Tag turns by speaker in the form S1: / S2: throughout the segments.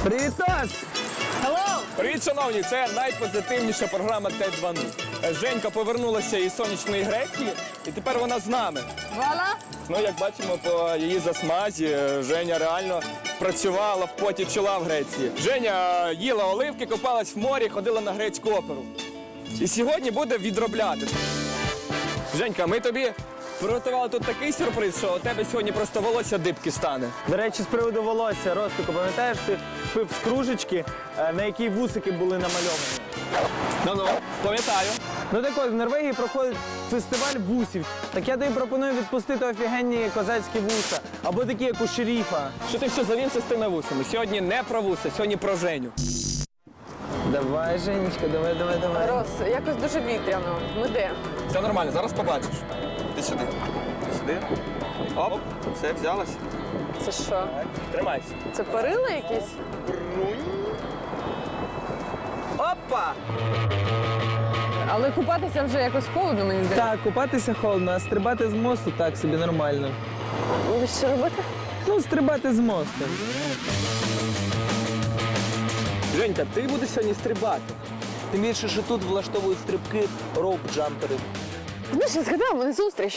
S1: Привіт, Тос!
S2: Hello!
S3: Привіт, шановні! Це найпозитивніша програма Т2.0. Женька повернулася із сонячної Греції, і тепер вона з нами.
S2: Вала?
S3: Ну, як бачимо по її засмазі, Женя реально працювала в поті чола в Греції. Женя їла оливки, купалась в морі, ходила на грецьку оперу. І сьогодні буде відробляти. Женька, ми тобі приготували тут такий сюрприз, що у тебе сьогодні просто волосся дибки стане.
S1: До речі, з приводу волосся, Ростику, пам'ятаєш, ти пив з кружечки, на якій вусики були намальовані?
S3: Ну-ну, пам'ятаю.
S1: Ну так от, в Норвегії проходить фестиваль вусів. Так я тобі пропоную відпустити офігенні козацькі вуса, або такі, як у шерифа.
S3: Що ти все завівся з тими вусами? Сьогодні не про вуса, сьогодні про Женю.
S1: Давай, Женечка, давай.
S2: Рос, якось дуже вітряно. Ми де?
S3: Все нормально, зараз побачиш.
S4: Ти сюди. Ти сюди. Оп, все, взялась.
S2: Це що?
S3: Тримайся.
S2: Це перила якісь?
S4: Опа!
S2: Але купатися вже якось холодно, мені здається.
S1: Так, купатися холодно, а стрибати з мосту так собі нормально.
S2: Будеш що робити?
S1: Ну, стрибати з мосту.
S3: Женька, ти будеш сьогодні стрибати.
S1: Тим більше, що тут влаштовують стрибки роуп-джампери.
S2: Знаєш, я згадала, у мене зустріч.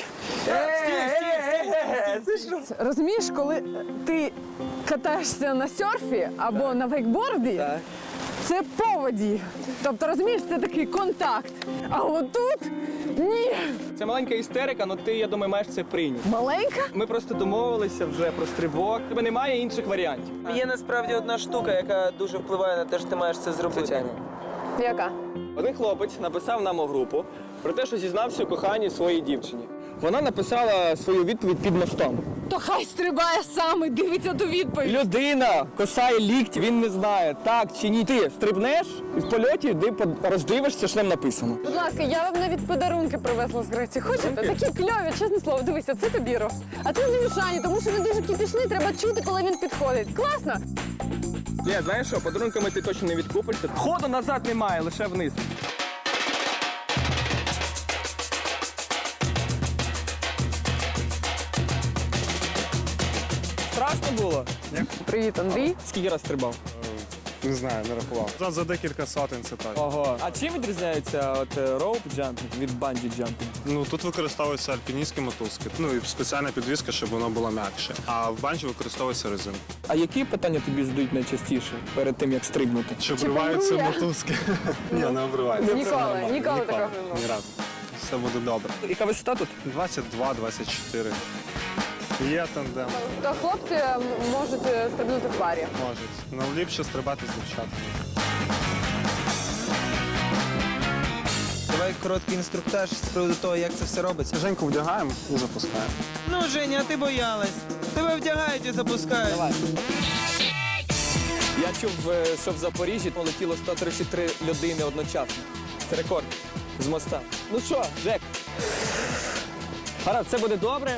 S2: Розумієш, коли ти катаєшся на серфі або на вейкборді, це по воді. Тобто, розумієш, це такий контакт. А отут ні.
S3: Це маленька істерика, але ти, я думаю, маєш це прийняти.
S2: Маленька?
S3: Ми просто домовилися вже про стрибок. У тебе немає інших варіантів.
S1: Є насправді одна штука, яка дуже впливає на те, що ти маєш це зробити.
S2: Яка?
S3: Один хлопець написав нам у групу про те, що зізнався у коханні своїй дівчині. Вона написала свою відповідь під мостом.
S2: То хай стрибає сам і дивиться ту відповідь.
S3: Людина косає лікті, він не знає, так чи ні. Ти стрибнеш і в польоті роздивишся, що там написано.
S2: Будь ласка, я вам навіть подарунки привезла з Греції. Хочете? Такі кльові, чесне слово. Дивися, це тобі, Рос. А це не Мішані, тому що він дуже кіпішний, треба чути, коли він підходить. Класно?
S3: Ні, знаєш що, подарунками ти точно не відкупишся. Ходу назад немає, лише вниз. Страшно було?
S2: Привіт, Андрій.
S3: Скільки раз стрибав?
S5: Не знаю, не рахував. За декілька сотень це так.
S3: Ого. А чим відрізняється роуп джампінг від банджі джампінг?
S5: Ну тут використовуються альпіністські мотузки. Ну і спеціальна підвізка, щоб воно було м'якше. А в банджі використовується резинка.
S3: А які питання тобі задають найчастіше перед тим, як стрибнути?
S5: Чи обриваються
S2: помрує?
S5: мотузки? Ні, не обриваються.
S2: Ніколи такого не було.
S5: Ні разу. Все буде добре.
S3: Яка висота тут?
S5: 22-24. Є тандем.
S2: То хлопці можуть стрибнути в парі.
S5: Можуть. Ну ліпше стрибати з дівчатами.
S1: Давай короткий інструктаж з приводу того, як це все робиться.
S5: Женьку вдягаємо і запускаємо.
S1: Ну, Женя, а ти боялась. Тебе вдягають і запускають.
S3: Я чув, що в Запоріжжі полетіло 133 людини одночасно. Це рекорд з моста. Ну що, Жек? Гаразд, все буде добре.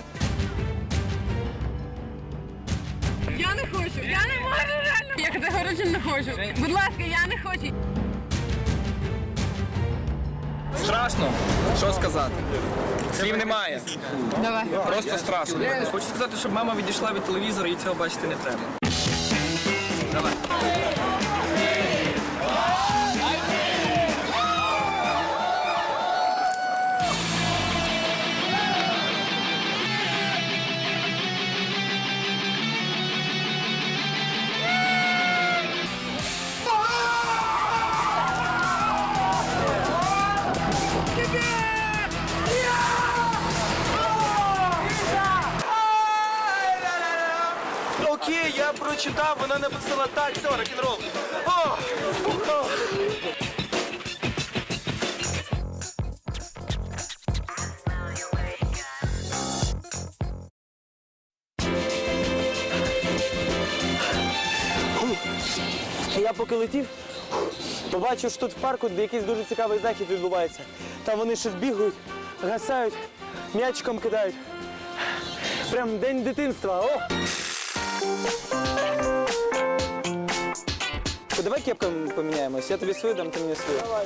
S6: Я не хочу, я не можу реально. Я категорично не хочу. Будь ласка, я не хочу.
S3: Страшно? Що сказати? Слів немає.
S6: Давай.
S3: Просто страшно. Хочу сказати, щоб мама відійшла від телевізора і цього бачити не треба. Давай.
S1: Окей, я прочитав, вона написала так, все, рок-н-рол. Я поки летів, побачив, що тут в парку якийсь дуже цікавий захід відбувається. Там вони щось бігають, гасають, м'ячиком кидають. Прям день дитинства. О! Давай кепками поміняємось. Я тобі свою дам, ти мені свою. Давай.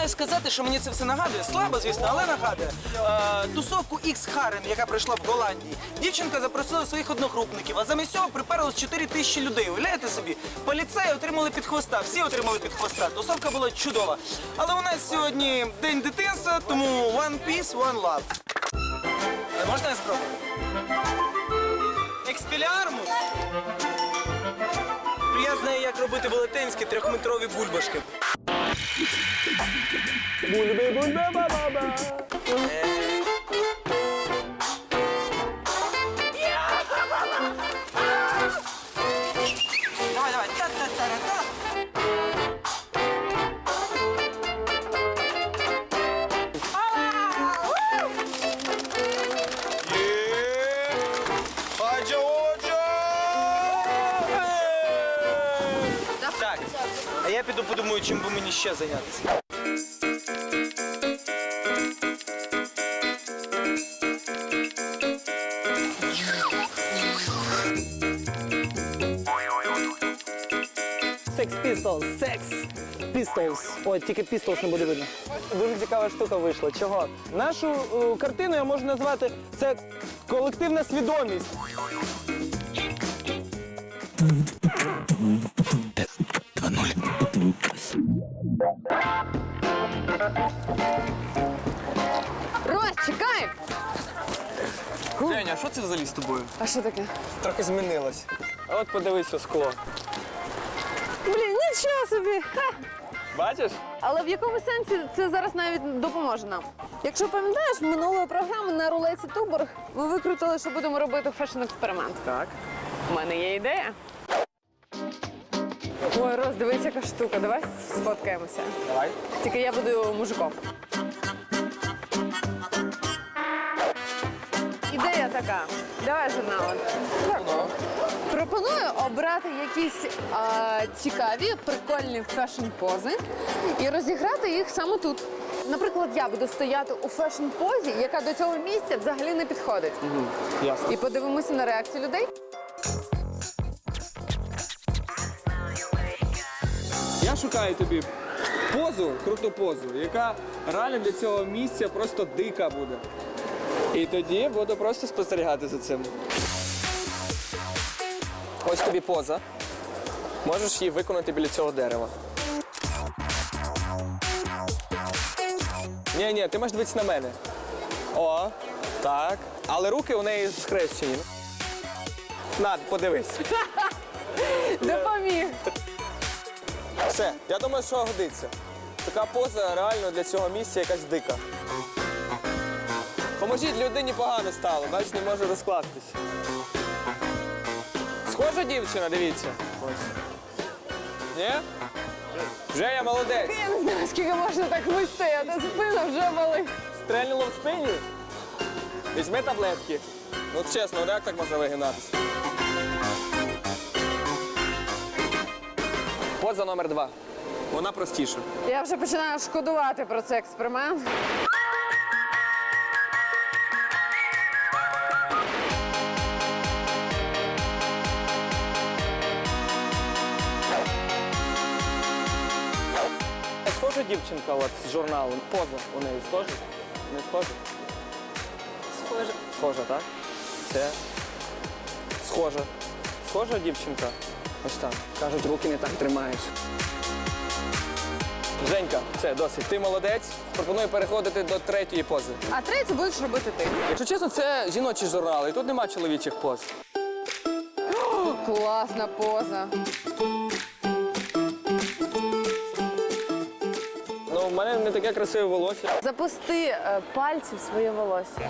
S7: маю сказати, що мені це все нагадує. Слабо, звісно, але нагадує. Тусовку X-Harem, яка пройшла в Голландії. Дівчинка запросила своїх одногрупників, а замість цього приперлось 4 тисячі людей. Уявляєте собі? Поліцеї отримали під хвоста, всі отримали під хвоста. Тусовка була чудова. Але у нас сьогодні день дитинства, тому one peace, one love. Можна я спробую? Експеліармус. Я знаю, як робити велетенські 3-метрові бульбашки.
S1: Бульби-бульби-ба-ба-ба.
S7: Давай, давай. Та-та-та-ра-та. Так, а я піду подумаю, чим би мені ще зайнятися.
S1: Sex Pistols, Sex Pistols. Ой, тільки Pistols не буде видно. Дуже цікава штука вийшла. Чого? Нашу картину я можу назвати це колективна свідомість.
S2: Рось, чекай!
S3: Женя, а що це взагалі з тобою?
S2: А що таке?
S3: Трохи змінилось. А от подивись у скло.
S2: Блін, нічого собі! Ха!
S3: Бачиш?
S2: Але в якому сенсі це зараз навіть допоможе нам? Якщо пам'ятаєш, минулої програми на рулеці Туборг ми викрутили, що будемо робити фешн-експеримент.
S3: Так.
S2: У мене є ідея. Ой, Рос, дивись, яка штука. Давай сфоткаємося.
S3: Давай.
S2: Тільки я буду мужиком. Ідея така. Давай журнал. Пропоную обрати якісь цікаві, прикольні фешн-пози і розіграти їх саме тут. Наприклад, я буду стояти у фешн-позі, яка до цього місця взагалі не підходить.
S3: Ясно.
S2: І подивимося на реакцію людей.
S3: Я шукаю тобі позу, круту позу, яка реально для цього місця просто дика буде. І тоді буду просто спостерігати за цим. Ось тобі поза. Можеш її виконати біля цього дерева. Ні, ти маєш дивитися на мене. О, так. Але руки у неї схрещені. На, подивись.
S2: Допоміг.
S3: Все, я думаю, що годиться. Така поза реально для цього місця якась дика. Поможіть, людині погано стало, бачиш, не може розкластись. Схожа дівчина, дивіться. Ось. Ні? Женя, молодець.
S2: Я не знаю, скільки можна так вистояти, спина вже болить.
S3: Стрельнуло в спині? Візьми таблетки. Ну чесно, як так можна вигинатися? Поза номер 2. Вона простіша.
S2: Я вже починаю шкодувати про цей експеримент.
S1: Схожа дівчинка от, з журналу. Поза у неї схожа? Не схожа?
S2: Схоже.
S1: Схожа, так? Це схожа. Схожа дівчинка? Ось так. Кажуть, руки не так тримаєш.
S3: Женька, все, досить. Ти молодець. Пропоную переходити до третьої пози.
S2: А третє будеш робити ти.
S3: Якщо чесно, це жіночий журнал, і тут нема чоловічих поз.
S2: Класна поза.
S3: Ну, в мене не таке красиве волосся.
S2: Запусти пальці в своє волосся.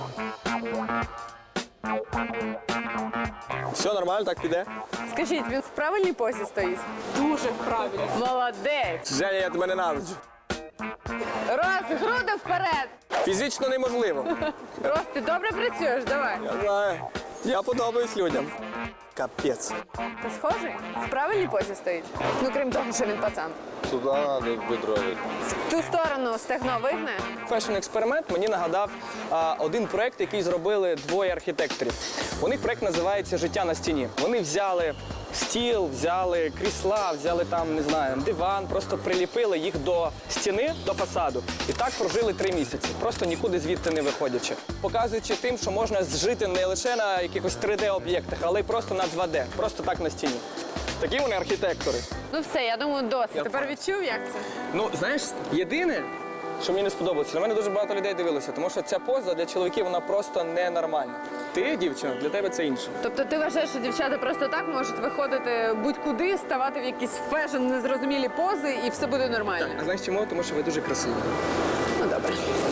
S3: Все нормально, так піде.
S2: Скажіть, він в правильній позі стоїть? Дуже правильно. Молодець.
S3: Женя, я тебе ненавиджу.
S2: Рос, груди вперед.
S3: Фізично неможливо.
S2: Рос, ти добре працюєш, давай.
S3: Я знаю. Я подобаюсь людям. Капець.
S2: Ти схожий? В правильній позі стоїть? Ну, крім того, що він пацан.
S4: Туди треба бедрові.
S2: В ту сторону стегно вигне.
S3: Фешн-експеримент мені нагадав один проєкт, який зробили двоє архітекторів. У них проєкт називається «Життя на стіні». Вони взяли стіл, взяли крісла, взяли там, не знаю, диван, просто приліпили їх до стіни, до фасаду. І так прожили 3 місяці, просто нікуди звідти не виходячи. Показуючи тим, що можна жити не лише на якихось 3D-об'єктах, але й просто на 2D, просто так на стіні. Такі вони архітектори.
S2: Ну все, я думаю, досить. Тепер відчув, як це?
S3: Ну, знаєш, єдине, що мені не сподобалося, на мене дуже багато людей дивилося, тому що ця поза для чоловіків, вона просто ненормальна. Ти, дівчина, для тебе це інше.
S2: Тобто ти вважаєш, що дівчата просто так можуть виходити будь-куди, ставати в якісь фешн, незрозумілі пози і все буде нормально?
S3: А знаєш чому? Тому що ви дуже красиві.
S2: Ну добре.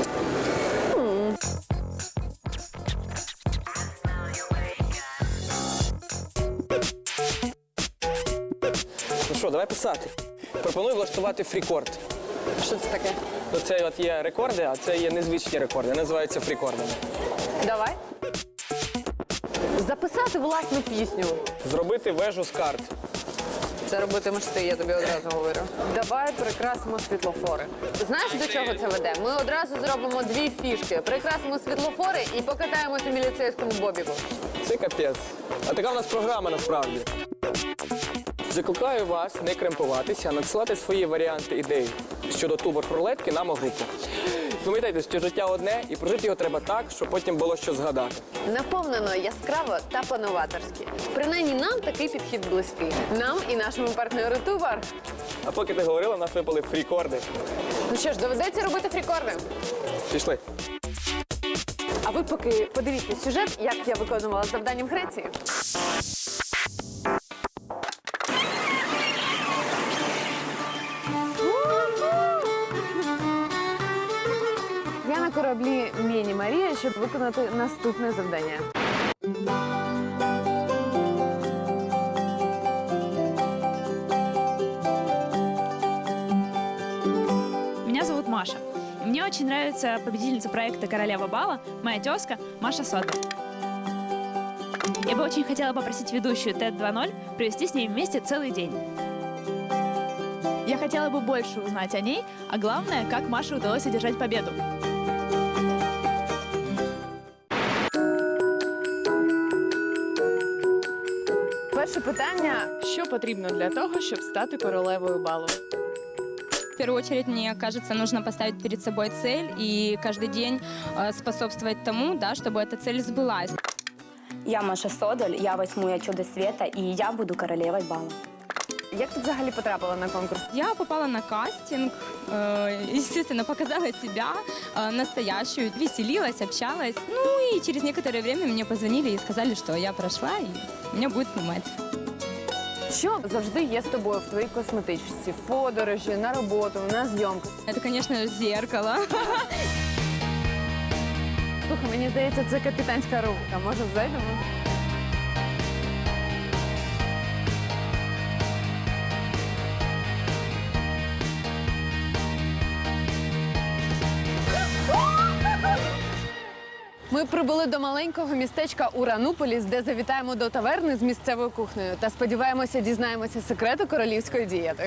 S3: Ну що, давай писати. Пропоную влаштувати фрікорд.
S2: Що це таке?
S3: Оце от є рекорди, а це є незвичні рекорди. Називаються фрікордами.
S2: Давай. Записати власну пісню.
S3: Зробити вежу з карт.
S2: Це робитимеш ти, я тобі одразу говорю. Давай прикрасимо світлофори. Знаєш, до чого це веде? Ми одразу зробимо 2 фішки. Прикрасимо світлофори і покатаємося в міліцейському бобіку.
S3: Це капець. А така в нас програма насправді. Закликаю вас не кремпуватися, а надсилати свої варіанти ідей щодо тубор-рулетки нам у групу. Пам'ятайте, що життя одне, і прожити його треба так, щоб потім було що згадати.
S2: Наповнено яскраво та по-новаторськи. Принаймні нам такий підхід близький. Нам і нашому партнеру Тубар.
S3: А поки ти говорила, у нас випали фрікорди.
S2: Ну що ж, доведеться робити фрікорди.
S3: Пішли.
S2: А ви поки подивіться сюжет, як я виконувала завдання в Греції. Я на кораблі Міні Марія, щоб виконати наступне завдання.
S8: Меня зовут Маша. И мне очень нравится победительница проекта «Королева бала», моя тезка Маша Содль. Я бы очень хотела попросить ведущую TED 2.0 провести с ней вместе целый день. Я хотела бы больше узнать о ней, а главное, как Маше удалось одержать победу.
S2: Перше питання. Що потрібно для того, щоб стати королевою балу?
S9: В первую очередь, мне кажется, нужно поставить перед собой цель и каждый день способствовать тому, да, чтобы эта цель сбылась.
S10: Я Маша Содоль, я 8-я чудо света, и я буду королевой бала.
S2: Як ти взагалі потрапила на конкурс?
S9: Я попала на кастинг, естественно, показала себя настоящую, веселилась, общалась. Ну и через некоторое время мне позвонили и сказали, что я прошла и меня будут снимать.
S2: Що завжди є з тобою в твоїй косметичці, в подорожі, на роботу, на зйомку?
S9: Это, конечно, зеркало.
S2: Слухай, мені здається, це капітанська рубка. Може, зайдемо? Ми прибули до маленького містечка Урануполіс, де завітаємо до таверни з місцевою кухнею та сподіваємося, дізнаємося секрети королівської дієти.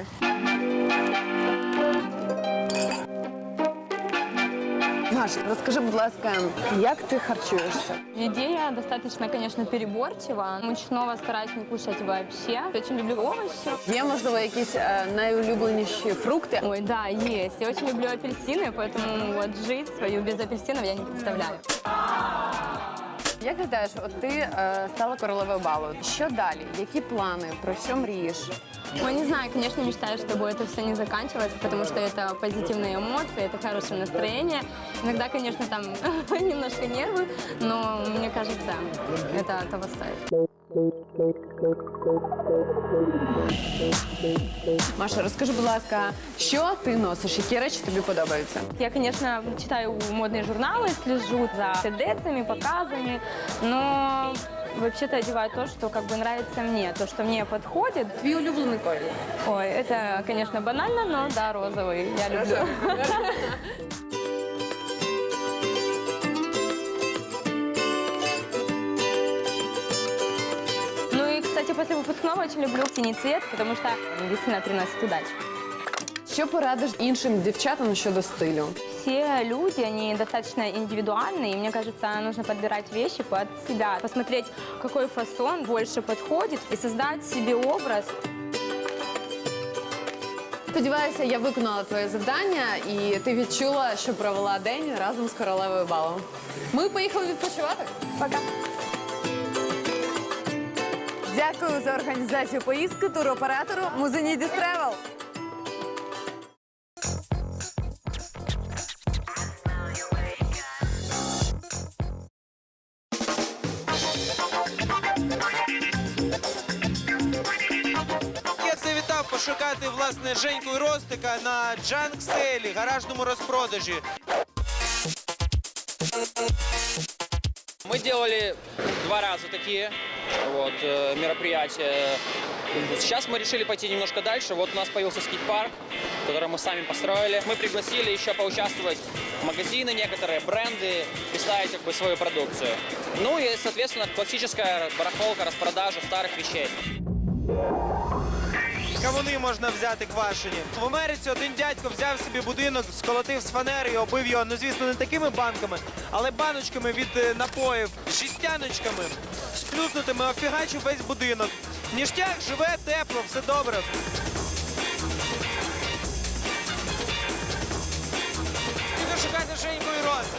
S2: Маш, розкажи, будь ласка, як ти харчуєшся?
S9: Идея достаточно, конечно, переборчива. Мучного стараюсь не кушать вообще. Очень люблю овощи.
S2: Є, можливо, якісь найулюбленіші фрукти?
S9: Ой, да, есть. Я очень люблю апельсины, поэтому вот жизнь свою без апельсинов я не представляю.
S2: Як гадаєш, от ти стала королевою балу. Що далі? Які плани? Про що мрієш?
S9: Ну, не знаю, конечно, мечтаю, чтобы это все не заканчивалось, потому что это позитивные эмоции, это хорошее настроение. Иногда, конечно, там немножко нервы, но мне кажется, это того стоит.
S2: Маша, розкажи, будь ласка, що ти носиш? Які речі тобі подобаються?
S9: Я, конечно, читаю модные журналы, слежу за тенденциями, показами, но вообще-то одеваю то, что как бы нравится мне, то, что мне подходит.
S2: Твій улюблений колір?
S9: Ой, это, конечно, банально, но да, розовый я люблю. Ну и, кстати, после выпускного очень люблю синий цвет, потому что он действительно приносит удачу.
S2: Що порадиш іншим дівчатам щодо стилю?
S9: все люди, они достаточно индивидуальные, и мне кажется, нужно подбирать вещи под себя, посмотреть, какой фасон больше подходит, и создать себе образ.
S2: Сподіваюся, я виконала твоє завдання і ти відчула, що провела день разом з королевою балу. Ми поїхали відпочивати. Пока. Дякую за організацію поїздки туроператору Музинідіс Тревел.
S7: Я завітав пошукати, власне, Женьку і Ростика на джанк-сейлі, гаражному розпродажі.
S4: Мы делали 2 раза такие мероприятия. Сейчас мы решили пойти немножко дальше. Вот у нас появился скейт-парк, который мы сами построили. Мы пригласили еще поучаствовать магазины, некоторые бренды, представить свою продукцию. Ну и, соответственно, классическая барахолка, распродажа старых вещей.
S7: Кавуни можна взяти квашені. В Америці один дядько взяв собі будинок, сколотив з фанери і оббив його, ну звісно, не такими банками, але баночками від напоїв, жестяночками, сплюснутими, офігачив весь будинок. Ніштяк, живе, тепло, все добре. Піду шукати Женьку і Роса.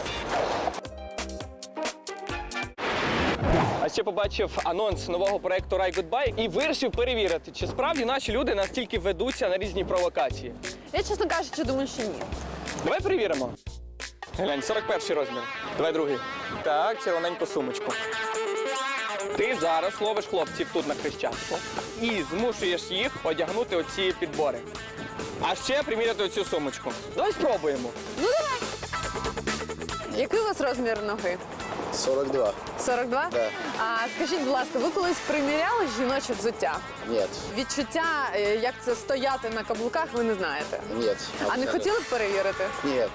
S3: А ще побачив анонс нового проєкту Ride Goodbye і вирішив перевірити, чи справді наші люди настільки ведуться на різні провокації.
S2: Я, чесно кажучи, думаю, що ні.
S3: Давай перевіримо. Глянь, 41 розмір. Давай другий. Так, червоненьку сумочку. Ти зараз ловиш хлопців тут на Хрещатику і змушуєш їх одягнути оці підбори. А ще приміряти оцю сумочку. Давай спробуємо.
S2: Ну, давай. Який у вас розмір ноги?
S11: 42.
S2: 42?
S11: Да.
S2: А скажіть, будь ласка, ви колись приміряли жіноче взуття?
S11: Нет.
S2: Відчуття, як це стояти на каблуках, ви не знаєте?
S11: Нет.
S2: А не хотіли б перевірити?
S11: Нет.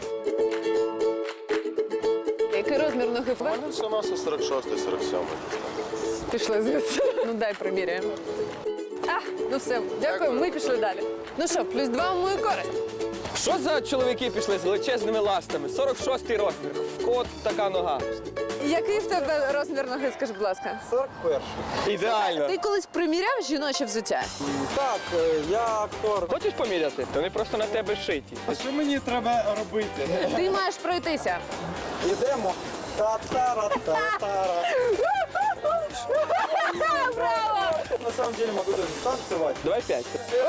S2: Який розмір ноги?
S11: У мене все носи 46, 47.
S2: Пішли звідси. Ну дай приміряємо. Ну все, дякую, ми пішли далі. Ну що, +2 в мою користь.
S3: Що за чоловіки пішли з величезними ластами? 46-й розмір. В кого така нога?
S2: Який в тебе розмір ноги, скажи, будь ласка?
S11: 41.
S3: Ідеально.
S2: Ти колись приміряв жіноче взуття?
S11: Так, я актор.
S3: Хочеш поміряти? Вони просто на тебе шиті.
S11: А що мені треба робити?
S2: Ти маєш пройтися.
S11: Йдемо. Та-та-ра-та-та-ра.
S2: Браво!
S11: На самом деле могу даже станцевать.
S3: Давай 5.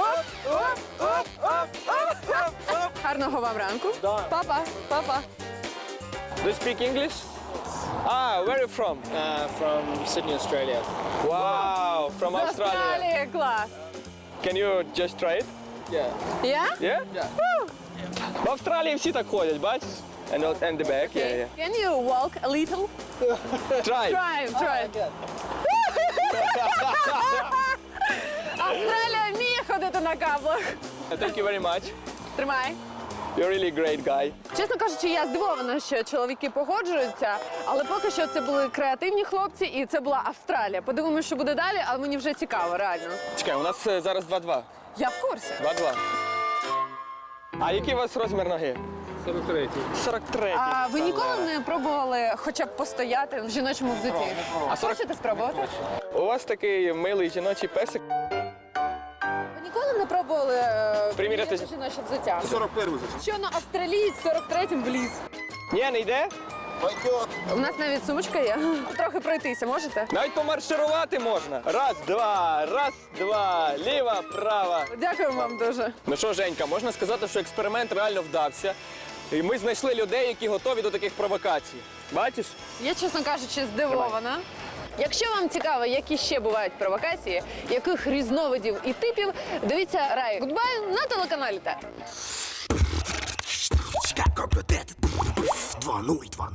S2: Гарного вам ранку. Папа, папа.
S3: Do you speak English? Where are you from?
S11: From Sydney, Australia.
S3: Wow, from
S2: З
S3: Australia.
S2: Австралії, клас.
S3: Can you just try it?
S11: Yeah.
S2: Я?
S3: Yeah? В Австралії всі так ходять, бачиш? And the back, yeah.
S2: Can you walk a little?
S3: Try.
S2: Try. Австралія вміє ходити на каблах.
S3: Thank you very much.
S2: Тримай.
S3: You're really great guy.
S2: Чесно кажучи, я здивована, що чоловіки погоджуються, але поки що це були креативні хлопці і це була Австралія. Подивимося, що буде далі, але мені вже цікаво, реально.
S3: Чекай, у нас зараз 2-2.
S2: Я в курсі.
S3: 2-2. А який у вас розмір ноги?
S11: 43.
S3: 43.
S2: А ви ніколи не пробували хоча б постояти в жіночому взутті? А хочете спробувати?
S3: У вас такий милий жіночий песик.
S2: Ви ніколи не пробували
S3: Приміряти
S2: жіноче взуття?
S11: 41 вже.
S2: Що на австралієць 43-м вліз?
S3: Ні, не йде?
S11: Пойдет.
S2: У нас навіть сумочка є. Трохи пройтися можете?
S3: Навіть помарширувати можна. Раз, два, ліва, права.
S2: Дякую вам дуже.
S3: Ну що, Женька, можна сказати, що експеримент реально вдався. І ми знайшли людей, які готові до таких провокацій. Бачиш?
S2: Я, чесно кажучи, здивована. Якщо вам цікаво, які ще бувають провокації, яких різновидів і типів, дивіться Ride Goodbye на телеканалі Т.
S11: 2-0.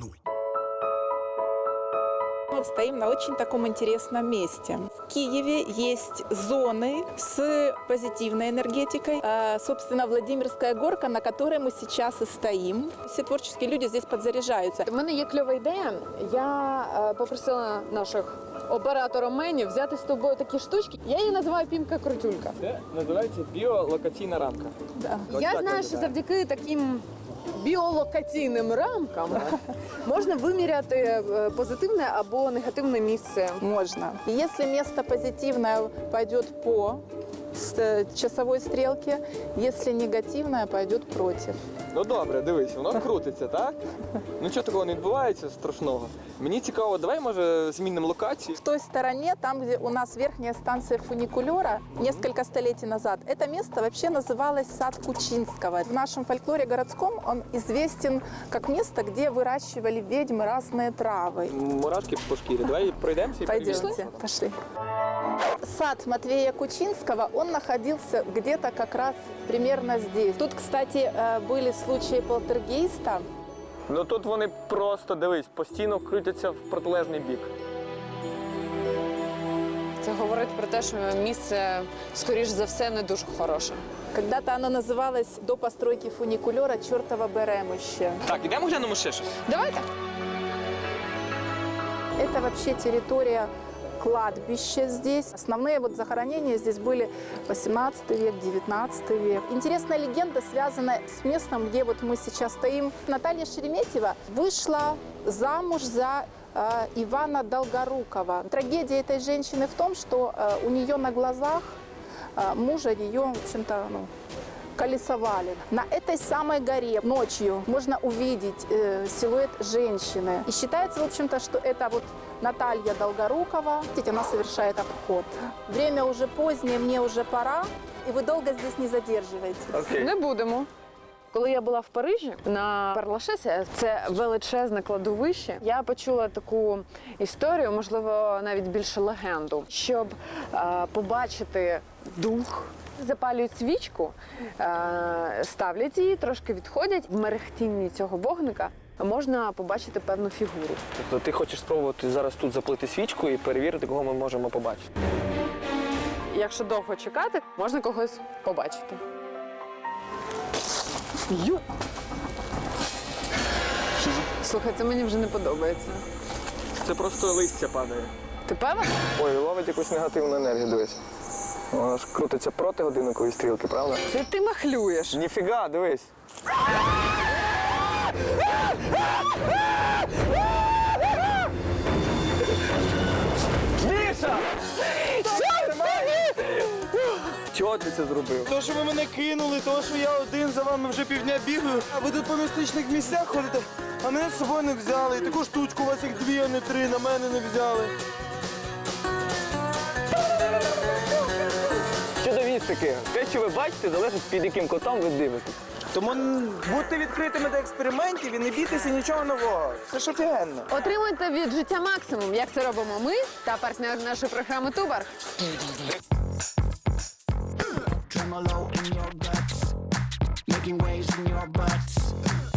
S12: Мы стоим на очень таком интересном месте. В Киеве есть зоны с позитивной энергетикой. Собственно, Владимирская горка, на которой мы сейчас и стоим. Все творческие люди здесь подзаряжаются.
S2: У мене є кльова ідея. Я попросила наших операторів-менів взяти з тобою такі штучки. Я її називаю пімка-крутюлька.
S3: Це називається біолокаційна рамка.
S2: Я знаю, що завдяки таким біолокаційним рамкам можна виміряти позитивне або негативне місце.
S12: Можно. И если место позитивное пойдет по часовой стрелке, если негативное пойдет против.
S3: Ну добре, дивись, воно крутиться, так? Ну чого такого не відбувається страшного? Мені цікаво, давай, може, змінимо локацію.
S12: В той стороне, там, где у нас верхняя станция фуникулера, несколько столетий назад, это место вообще называлось сад Кучинского. В нашем фольклоре городском он известен как место, где выращивали ведьмы разные травы.
S3: Мурашки по шкірі. Давай пройдемося і
S12: Пойдемте, пошли. Сад Матвея Кучинского, он находился где-то как раз примерно здесь. Тут, кстати, были случаи полтергейста.
S3: Ну тут вони просто, дивись, постійно крутяться в протилежний бік.
S2: Це говорить про те, що місце, скоріш за все, не дуже хороше.
S12: Когда-то оно называлось до постройки фуникулера «Чертово Беремище».
S3: Так, ідемо глянемо ще щось.
S2: Давайте.
S12: Это вообще территория кладбища здесь. Основные вот захоронения здесь были 18 век, 19 век. Интересная легенда связана с местом, где вот мы сейчас стоим. Наталья Шереметьева вышла замуж за Ивана Долгорукова. Трагедия этой женщины в том, что у нее на глазах мужа ее, в общем-то, колесовали. На этой самой горе ночью можно увидеть силуэт женщины. И считается, в общем-то, что это вот Наталья Долгорукова. Видите, она совершает обход. Время уже позднее, мне уже пора, и вы долго здесь не задерживаетесь.
S2: Не будемо. Коли я була в Парижі на Перлашесі, це величезне кладовище, я почула таку історію, можливо, навіть більше легенду, щоб побачити дух. Запалюють свічку, ставлять її, трошки відходять. В мерехтінні цього вогника можна побачити певну фігуру.
S3: Тобто ти хочеш спробувати зараз тут запалити свічку і перевірити, кого ми можемо побачити?
S2: Якщо довго чекати, можна когось побачити. Ю! Слухай, це мені вже не подобається.
S3: Це просто листя падає.
S2: Ти певен?
S3: Ой, ловить якусь негативну енергію, дивись. Вона ж крутиться проти годинникової стрілки, правда?
S2: Це ти махлюєш.
S3: Ніфіга, дивись. Міша! Чого ти це зробив?
S1: То, що ви мене кинули, то, що я один за вами вже півдня бігаю, а ви тут по містичних місцях ходите, а мене з собою не взяли. І таку штучку у вас їх 2, а не 3, на мене не взяли.
S3: Щодо містики, те, що ви бачите, залежить, під яким кутом ви дивитесь.
S1: Тому будьте відкритими до експериментів і не бійтеся нічого нового. Це ж офігенно.
S2: Отримуйте від життя максимум, як це робимо ми та партнер нашої програми Тубар.
S13: Tremolo in your guts, making waves in your butts.